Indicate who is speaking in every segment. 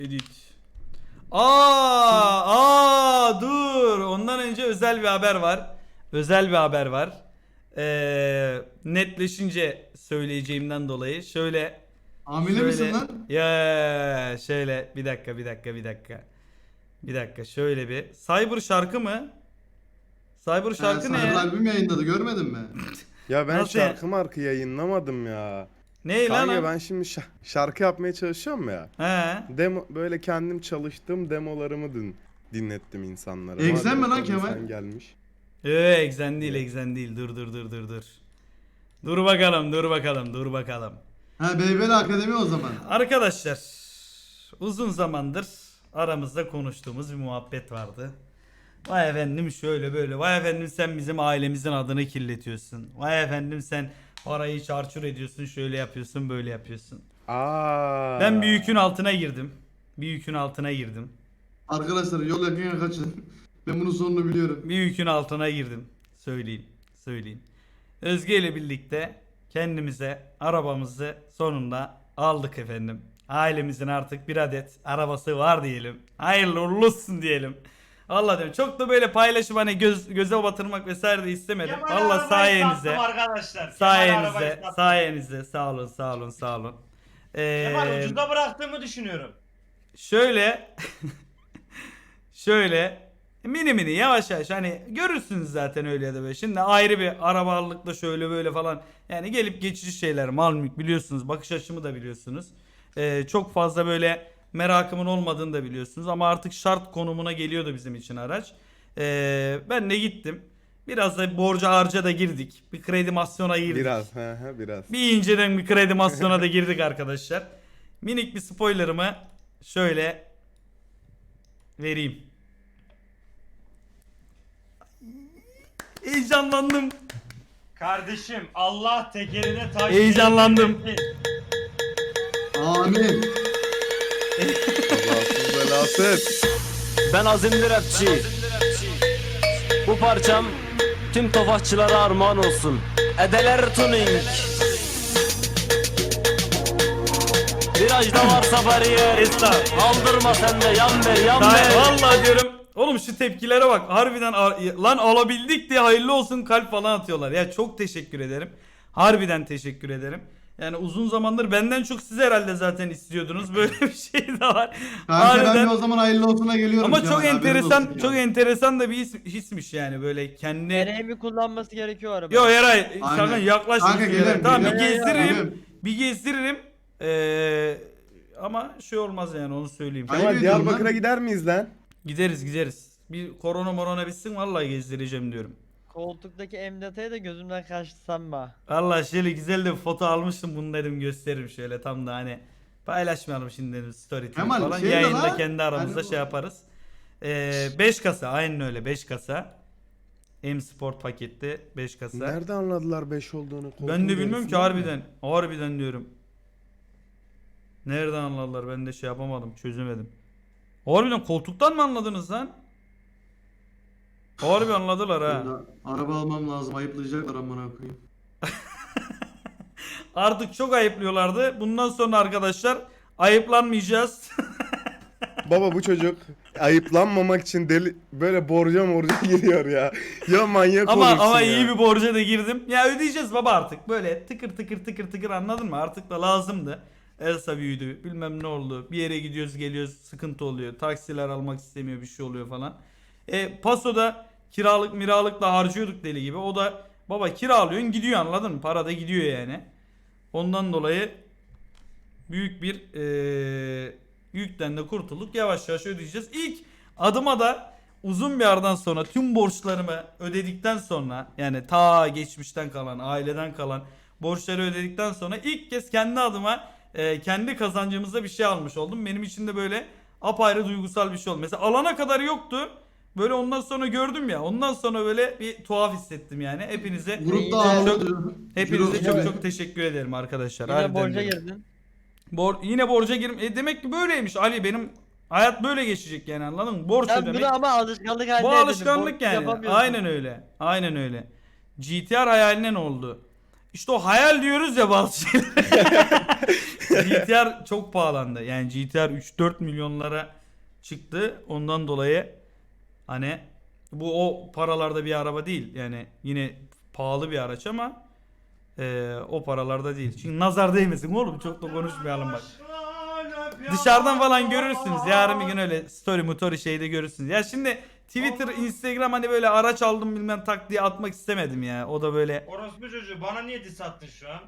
Speaker 1: Edit. Dur. Ondan önce özel bir haber var. Özel bir haber var. Netleşince söyleyeceğimden dolayı şöyle
Speaker 2: Hamile misin lan?
Speaker 1: Ya şöyle bir dakika. Bir dakika şöyle bir. Cyber şarkı mı? Cyber şarkı ne
Speaker 2: Cyber
Speaker 1: ya?
Speaker 2: albüm yayınladı, görmedin mi?
Speaker 3: Ya ben
Speaker 1: Nasıl ya?
Speaker 3: şarkı yayınlamadım ya.
Speaker 1: Ne lan
Speaker 3: Kanka
Speaker 1: o?
Speaker 3: ben şimdi şarkı yapmaya çalışıyorum ya.
Speaker 1: He.
Speaker 3: Demo böyle kendim çalıştığım demolarımı dinlettim insanlara.
Speaker 2: Egzen mi lan
Speaker 3: Madem
Speaker 2: Kemal?
Speaker 3: Sen gelmiş.
Speaker 1: Egzen değil. Dur. Dur bakalım.
Speaker 2: Ha, BBL Akademi o zaman.
Speaker 1: Arkadaşlar uzun zamandır aramızda konuştuğumuz bir muhabbet vardı. Vay efendim şöyle böyle. Vay efendim sen bizim ailemizin adını kirletiyorsun. Vay efendim sen parayı çarçur ediyorsun. Şöyle yapıyorsun böyle yapıyorsun. Ben bir yükün altına girdim.
Speaker 2: Arkadaşlar yol yakın kaçın. Ben bunun sonunu biliyorum.
Speaker 1: Bir yükün altına girdim. Söyleyeyim. Özge ile birlikte kendimize arabamızı sonunda aldık efendim. Ailemizin artık bir adet arabası var diyelim. Hayırlı uğurlu olsun diyelim. Allah diyorum. Çok da böyle paylaşım hani göze batırmak vesaire de istemedim.
Speaker 4: Kemal
Speaker 1: Allah
Speaker 4: arabayı
Speaker 1: sayenizde.
Speaker 4: sattım arkadaşlar. Kemal arabayı sattım.
Speaker 1: Sayenizde. Sağ olun.
Speaker 4: Kemal ucuza bıraktığımı düşünüyorum.
Speaker 1: Şöyle mini yavaş hani görürsünüz zaten öyle ya da böyle. Şimdi ayrı bir arabalıkla şöyle böyle falan yani gelip geçici şeyler mal mülk biliyorsunuz, bakış açımı da biliyorsunuz. Çok fazla böyle merakımın olmadığını da biliyorsunuz ama artık şart konumuna geliyordu bizim için araç. Ben de gittim. Biraz da borca harca da girdik. Bir kredimasyona girdik.
Speaker 3: Biraz.
Speaker 1: Bir inceden bir kredimasyona da girdik arkadaşlar. Minik bir spoilerımı şöyle vereyim. Heyecanlandım.
Speaker 4: Kardeşim Allah tekerine taş
Speaker 1: Heyecanlandım.
Speaker 4: değdirmesin.
Speaker 2: Amin.
Speaker 3: Kazasız belasız.
Speaker 5: Ben azimli rapçi. Bu parçam tüm tofaşçılara armağan olsun. Edeler tuning. Virajda varsa bariyer. Aldırma sen de yan ver.
Speaker 1: Vallahi diyorum. Oğlum şu tepkilere bak. Harbiden lan alabildik diye hayırlı olsun kalp falan atıyorlar. Ya çok teşekkür ederim. Harbiden teşekkür ederim. Yani uzun zamandır benden çok siz herhalde zaten istiyordunuz. Böyle bir şey de var.
Speaker 2: Kanka ben de o zaman hayırlı olsuna geliyorum.
Speaker 1: Ama
Speaker 2: Kemal,
Speaker 1: çok
Speaker 2: haberin
Speaker 1: enteresan,
Speaker 2: olsun
Speaker 1: çok
Speaker 2: ya.
Speaker 1: enteresan da bir hismiş yani böyle kendi.
Speaker 6: Nereye mi kullanması gerekiyor araba?
Speaker 1: Yo Eray,
Speaker 2: Aynen.
Speaker 1: sakın yaklaşma.
Speaker 2: Kanka, gelirim,
Speaker 1: Tamam bir
Speaker 2: gelirim.
Speaker 1: gezdiririm.
Speaker 2: Gelirim.
Speaker 1: Bir gezdiririm. Ama şey olmaz yani onu söyleyeyim.
Speaker 2: Ayıp
Speaker 3: Kemal
Speaker 2: ediyorum
Speaker 3: Diyarbakır'a
Speaker 2: lan.
Speaker 3: gider miyiz lan?
Speaker 1: Gideriz. Bir korona bitsin vallahi gezdireceğim diyorum.
Speaker 6: Koltuktaki emdataya da gözümden kaçtı sanma.
Speaker 1: Vallahi şöyle güzel de bir foto almıştım bunu dedim gösteririm şöyle tam da hani paylaşmayalım şimdi dedim story tweet
Speaker 2: Kemal,
Speaker 1: falan
Speaker 2: şey de
Speaker 1: yayında
Speaker 2: lan,
Speaker 1: kendi aramızda
Speaker 2: hani bu-
Speaker 1: şey yaparız. 5 kasa aynen öyle 5 kasa. M Sport paketli 5 kasa.
Speaker 3: Nerede anladılar 5 olduğunu?
Speaker 1: Ben de bilmiyorum ki
Speaker 3: Koltuğun
Speaker 1: harbiden diyorum. Nereden anladılar ben de şey yapamadım çözemedim. Harbiden koltuktan mı anladınız lan? Harbi anladılar ha.
Speaker 2: Ben de araba almam lazım, ayıplayacaklar amına koyayım.
Speaker 1: Artık çok ayıplıyorlardı. Bundan sonra arkadaşlar ayıplanmayacağız.
Speaker 3: Baba bu çocuk ayıplanmamak için böyle borca giriyor ya. Ya manyak olursun
Speaker 1: ama
Speaker 3: ya.
Speaker 1: iyi bir borca da girdim. Ya ödeyeceğiz baba artık. Böyle tıkır anladın mı? Artık da lazımdı. Elsa büyüdü. Bilmem ne oldu. Bir yere gidiyoruz geliyoruz sıkıntı oluyor. Taksiler almak istemiyor bir şey oluyor falan. Paso'da miralıkla harcıyorduk deli gibi. O da baba kiralıyorsun gidiyor anladın mı? Para da gidiyor yani. Ondan dolayı büyük bir yükten de kurtulduk. Yavaş yavaş ödeyeceğiz. İlk adıma da uzun bir aradan sonra tüm borçlarımı ödedikten sonra yani ta geçmişten kalan aileden kalan borçları ödedikten sonra ilk kez kendi adıma kendi kazancımızda bir şey almış oldum. Benim için de böyle apayrı duygusal bir şey oldu. Mesela alana kadar yoktu. Böyle ondan sonra gördüm ya. Ondan sonra böyle bir tuhaf hissettim yani. Hepinize
Speaker 2: Grupta
Speaker 1: çok
Speaker 2: ağlıyor.
Speaker 1: hepinize
Speaker 2: Ciro-
Speaker 1: çok teşekkür ederim arkadaşlar.
Speaker 6: Yine
Speaker 1: Harbiden
Speaker 6: borca
Speaker 1: diyorum.
Speaker 6: girdin.
Speaker 1: Yine borca demek ki böyleymiş Ali benim hayat böyle geçecek yani anladın mı? Borç
Speaker 6: Sen
Speaker 1: ödemek.
Speaker 6: bunu ama alışkanlık haline
Speaker 1: Bu
Speaker 6: getirdin.
Speaker 1: alışkanlık
Speaker 6: Borç
Speaker 1: yani.
Speaker 6: yapamıyorsun.
Speaker 1: Aynen öyle. GTR hayaline ne oldu? İşte o hayal diyoruz ya bazı şeyler. GTR çok pahalandı. Yani GTR 3-4 milyonlara çıktı. Ondan dolayı hani bu o paralarda bir araba değil. Yani yine pahalı bir araç ama o paralarda değil. Çünkü nazar değmesin oğlum, çok da konuşmayalım bak. Dışarıdan falan görürsünüz. Yarın bir gün öyle story şeyde görürsünüz. Ya şimdi Twitter, Instagram hani böyle araç aldım bilmem tak diye atmak istemedim ya. O da böyle.
Speaker 4: Orospu çocuğu bana niye diss attın şu an?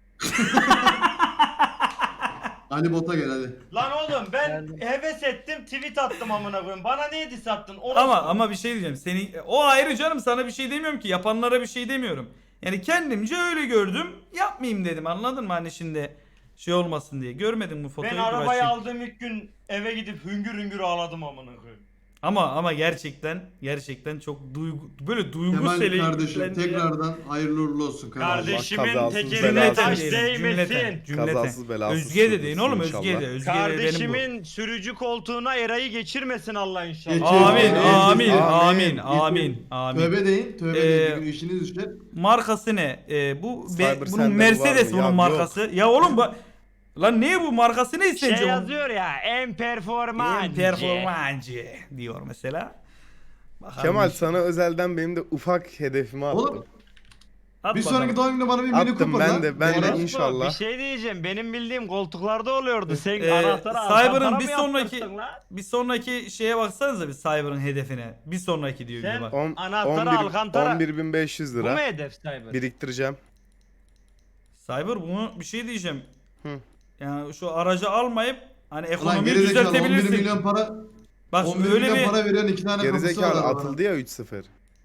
Speaker 2: Ali Bot'a gel hadi.
Speaker 4: Lan oğlum ben
Speaker 6: Geldim.
Speaker 4: heves ettim tweet attım amına koyayım. Bana niye diss attın? Orospu.
Speaker 1: Ama bir şey diyeceğim. Seni o ayrı canım, sana bir şey demiyorum ki. Yapanlara bir şey demiyorum. Yani kendimce öyle gördüm. Yapmayayım dedim. Anladın mı? Hani şimdi şey olmasın diye. Görmedin bu fotoğrafı?
Speaker 4: Ben arabayı
Speaker 1: Burak'cığım?
Speaker 4: aldığım ilk gün eve gidip hüngür hüngür ağladım amına koyayım.
Speaker 1: Ama gerçekten çok böyle duygusel.
Speaker 2: Kemal kardeşim tekrardan hayırlı uğurlu olsun kardeşim.
Speaker 4: Kardeşimin
Speaker 3: kazasız
Speaker 4: tekerine
Speaker 3: belasız
Speaker 4: taş
Speaker 1: diyelim,
Speaker 4: değmesin.
Speaker 3: Kazasız belasız
Speaker 1: Özge de deyin
Speaker 3: sürdürsün
Speaker 1: oğlum,
Speaker 3: inşallah.
Speaker 1: Özge de. Özge de benim bu.
Speaker 4: Kardeşimin sürücü koltuğuna Eray'ı geçirmesin Allah inşallah.
Speaker 2: Geçir.
Speaker 1: Amin,
Speaker 2: Amin,
Speaker 1: amin,
Speaker 3: amin.
Speaker 1: amin, amin.
Speaker 2: Tövbe deyin. Tövbe deyin. Bir gün işiniz düşer.
Speaker 1: Markası ne? Bu
Speaker 3: Cyber
Speaker 1: bunun
Speaker 3: sende
Speaker 1: Mercedes
Speaker 3: var mı?
Speaker 1: bunun
Speaker 3: Ya
Speaker 1: markası. Ya oğlum lan ne bu markası ne sence?
Speaker 4: Şey yazıyor ya en performancı.
Speaker 1: Performancı diyor mesela. Bakalım
Speaker 3: Kemal
Speaker 1: işte.
Speaker 3: sana özelden benim de ufak hedefimi attım.
Speaker 2: Oğlum
Speaker 1: At
Speaker 2: bir
Speaker 1: bakalım.
Speaker 2: sonraki doğum gününde bana bir mini
Speaker 3: Attım
Speaker 2: Cooper
Speaker 3: ben
Speaker 2: lan.
Speaker 3: de, ben de
Speaker 2: Orospu.
Speaker 3: inşallah.
Speaker 4: Bir şey diyeceğim. Benim bildiğim koltuklarda oluyordu. Sen
Speaker 1: Cyber'ın
Speaker 4: anahtarı
Speaker 1: bir
Speaker 4: bir
Speaker 1: sonraki şeye baksanıza bir Cyber'ın hedefine. Bir sonraki diyor bir de
Speaker 4: Sen-
Speaker 1: bak.
Speaker 4: Anahtarı Alcantara.
Speaker 3: 11.500
Speaker 4: Bu mu
Speaker 3: lira
Speaker 4: hedef Cyber?
Speaker 3: biriktireceğim.
Speaker 1: Cyber bunu bir şey diyeceğim.
Speaker 3: Hı.
Speaker 1: Yani şu aracı almayıp hani
Speaker 2: Ulan
Speaker 1: ekonomiyi
Speaker 2: gerizekalı 11
Speaker 1: düzeltebilirsin.
Speaker 2: milyon para.
Speaker 1: Bak
Speaker 2: 11
Speaker 1: öyle
Speaker 2: milyon
Speaker 1: bir
Speaker 2: para veren 2 tane kapısı var
Speaker 3: Gerizekalı
Speaker 2: arabanın.
Speaker 3: atıldı ya 3-0.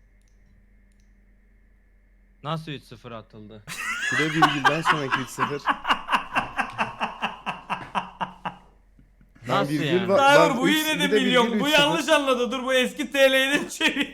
Speaker 4: Nasıl 3-0 atıldı?
Speaker 3: Bir de virgülden sonraki 3-0. Lan
Speaker 4: Nasıl
Speaker 3: virgül
Speaker 4: yani?
Speaker 3: var-
Speaker 1: Cyber
Speaker 3: lan
Speaker 1: bu
Speaker 3: üç-
Speaker 1: yine de
Speaker 3: bir de
Speaker 1: milyon.
Speaker 3: virgül
Speaker 1: Bu
Speaker 3: 3-0.
Speaker 1: yanlış anladı. Dur bu eski TL'ye de çevir.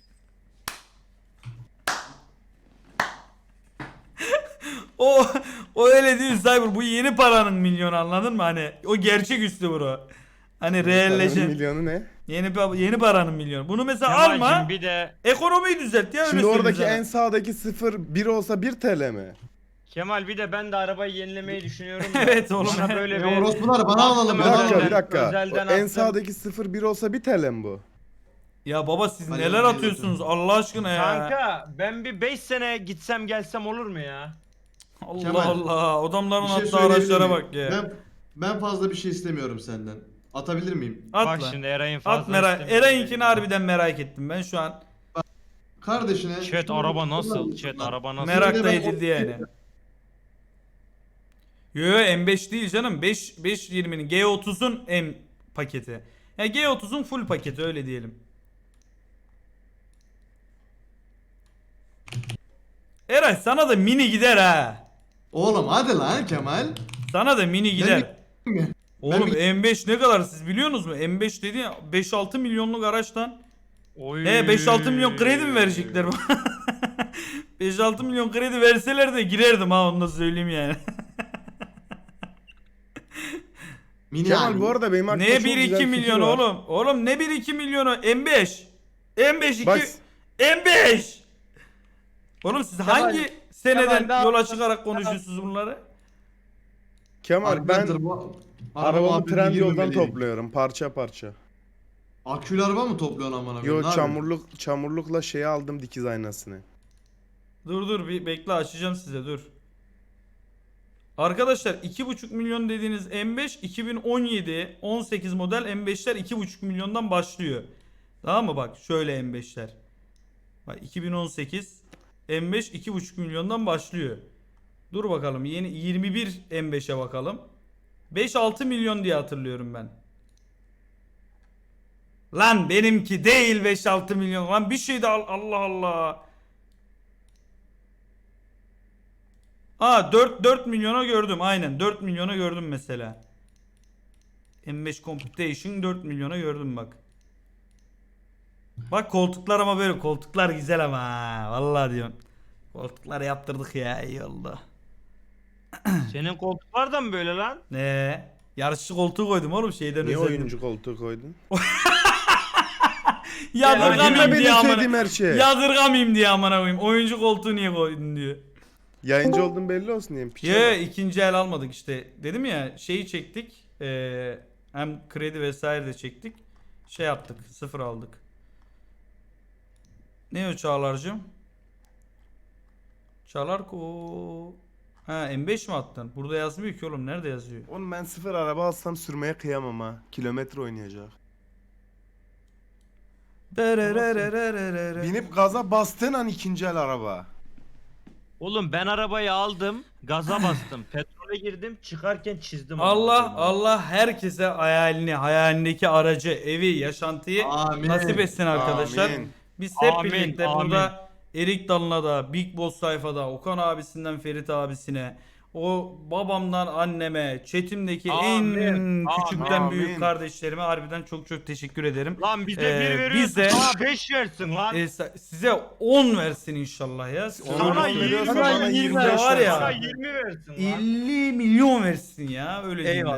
Speaker 1: o öyle değil Cyber. Bu yeni paranın milyonu, anladın mı? Hani o gerçek üstü bro. Hani realleşen.
Speaker 3: Milyonu ne?
Speaker 1: Yeni paranın milyonu. Bunu mesela
Speaker 4: Kemal'cim
Speaker 1: alma.
Speaker 4: bir de
Speaker 1: Ekonomiyi düzelt ya, öyle
Speaker 3: Şimdi
Speaker 1: söyleyeyim
Speaker 3: oradaki
Speaker 1: sana.
Speaker 3: en sağdaki 0 1 olsa 1 TL mi?
Speaker 4: Kemal bir de ben de arabayı yenilemeyi düşünüyorum. da.
Speaker 1: Evet oğlum.
Speaker 4: Bana böyle
Speaker 2: Ya
Speaker 4: bir
Speaker 2: orospular bana alalım.
Speaker 3: Bir
Speaker 2: bana
Speaker 3: dakika
Speaker 2: alalım.
Speaker 3: bir dakika.
Speaker 4: özelden
Speaker 3: O en
Speaker 4: attım.
Speaker 3: sağdaki 0 1 olsa 1 TL mi bu?
Speaker 1: Ya baba siz
Speaker 2: Hadi
Speaker 1: neler
Speaker 2: hadi
Speaker 1: atıyorsunuz Allah aşkına ya.
Speaker 4: Kanka ben bir 5 sene gitsem gelsem olur mu ya?
Speaker 1: Allah
Speaker 2: Kemal,
Speaker 1: Allah. Adamların
Speaker 2: Bir şey
Speaker 1: attığı
Speaker 2: söyleyebilir
Speaker 1: araçlara
Speaker 2: miyim?
Speaker 1: bak ya.
Speaker 2: Ben fazla bir şey istemiyorum senden. Atabilir miyim?
Speaker 1: At
Speaker 4: Bak
Speaker 1: lan.
Speaker 4: şimdi Eray'ın
Speaker 1: At
Speaker 4: fazla
Speaker 1: merak.
Speaker 4: istemiyorum.
Speaker 1: Eray'inkini harbiden merak ettim ben şu an.
Speaker 2: Kardeşine...
Speaker 4: Chat araba nasıl? Chat araba nasıl?
Speaker 1: Merak
Speaker 2: Şimdi
Speaker 1: da
Speaker 2: ben
Speaker 1: edildi yani. Yo M5 değil canım. 520'nin G30'un M paketi. Ya G30'un full paketi öyle diyelim. Eray sana da mini gider ha.
Speaker 2: Oğlum hadi lan Kemal.
Speaker 1: Sana da mini gider.
Speaker 2: mi?
Speaker 1: Oğlum
Speaker 2: Ben
Speaker 1: M5 ne kadar siz biliyorsunuz mu? M5 dedi ya 5-6 milyonluk araçtan.
Speaker 4: Oy.
Speaker 1: 5-6 milyon kredi mi verecekler bana? 5-6 milyon kredi verseler de girerdim ha, onu da söyleyeyim yani.
Speaker 2: Mini
Speaker 3: Kemal
Speaker 2: abi.
Speaker 3: bu arada benim aklımda
Speaker 1: Ne
Speaker 3: çok güzel
Speaker 1: 1-2
Speaker 3: fikir
Speaker 1: milyon
Speaker 3: var.
Speaker 1: oğlum? Oğlum ne 1-2 milyonu? M5. M5 2.
Speaker 3: Bak
Speaker 1: M5. Oğlum siz hangi seneden
Speaker 6: Kemal,
Speaker 1: yola çıkarak konuşuyorsunuz bunları?
Speaker 3: Kemal ben
Speaker 2: Arkadaşlar, bu
Speaker 3: arabamı
Speaker 2: muhabbetine
Speaker 3: Trendyol'dan
Speaker 2: girmemeliyim.
Speaker 3: topluyorum parça parça.
Speaker 2: Akülü araba mı topluyorsun amına koyayım?
Speaker 3: Yo
Speaker 2: Ne yapıyorsun?
Speaker 3: çamurlukla şeyi aldım dikiz aynasını.
Speaker 1: Dur bir bekle, açacağım size dur. Arkadaşlar 2,5 milyon dediğiniz M5 2017 18 model M5'ler 2,5 milyondan başlıyor. Tamam mı, bak şöyle M5'ler. Bak 2018 M5 2,5 milyondan başlıyor. Dur bakalım yeni 21 M5'e bakalım. 5-6 milyon diye hatırlıyorum ben. Lan benimki değil 5-6 milyon. Lan bir şey de Allah Allah. Aa 4 milyona gördüm aynen 4 milyona gördüm mesela. M5 Computation 4 milyona gördüm bak. Bak koltuklar ama böyle koltuklar güzel ama ha. Vallahi diyorum. Koltukları yaptırdık ya, iyi oldu.
Speaker 4: Senin koltuklar da mı böyle lan?
Speaker 1: Ne? Yarışçı koltuğu koydum oğlum şeyden
Speaker 3: Niye
Speaker 1: özendim.
Speaker 3: oyuncu koltuğu koydun?
Speaker 1: Yadırgamayayım
Speaker 3: benim
Speaker 1: diye amına.
Speaker 3: sevdiğim her şey.
Speaker 1: Yadırgamayayım diye amına koyayım. Oyuncu koltuğu niye koydun diyor.
Speaker 3: Yayıncı olduğun belli olsun diyeyim. Piçe
Speaker 1: Ya
Speaker 3: bak.
Speaker 1: ikinci el almadık işte. Dedim ya şeyi çektik. Hem kredi vesaire de çektik. Şey yaptık. Sıfır aldık. Ne o Çağlar'cığım? Çağlar ko. Ha M5 mi attın? Burada yazmıyor ki oğlum. Nerede yazıyor?
Speaker 3: Oğlum ben sıfır araba alsam sürmeye kıyamam ha. Kilometre oynayacak. Binip gaza bastığın an ikinci el araba.
Speaker 4: Oğlum ben arabayı aldım, gaza bastım, petrole girdim, çıkarken çizdim.
Speaker 1: Allah herkese hayalindeki aracı, evi, yaşantıyı
Speaker 2: Amin.
Speaker 1: nasip etsin arkadaşlar.
Speaker 3: Amin.
Speaker 1: Biz hep
Speaker 4: Amin,
Speaker 1: birlikte
Speaker 4: amin.
Speaker 1: burada Erik Dalı'na da, Big Boss sayfada, Okan abisinden Ferit abisine, o babamdan anneme, chatimdeki
Speaker 4: Amin,
Speaker 1: en küçükten
Speaker 3: amin.
Speaker 1: büyük kardeşlerime harbiden çok çok teşekkür ederim.
Speaker 4: Lan bize
Speaker 1: Ee,
Speaker 4: 1 veriyorsun,
Speaker 1: bize-
Speaker 4: sana 5 versin lan.
Speaker 1: Size 10 versin inşallah ya.
Speaker 4: Sana 20
Speaker 3: bana
Speaker 6: 20
Speaker 3: 25
Speaker 1: var ya.
Speaker 4: Sana 20 versin lan.
Speaker 1: 50 milyon versin ya öyle diyeyim.
Speaker 6: Eyvallah.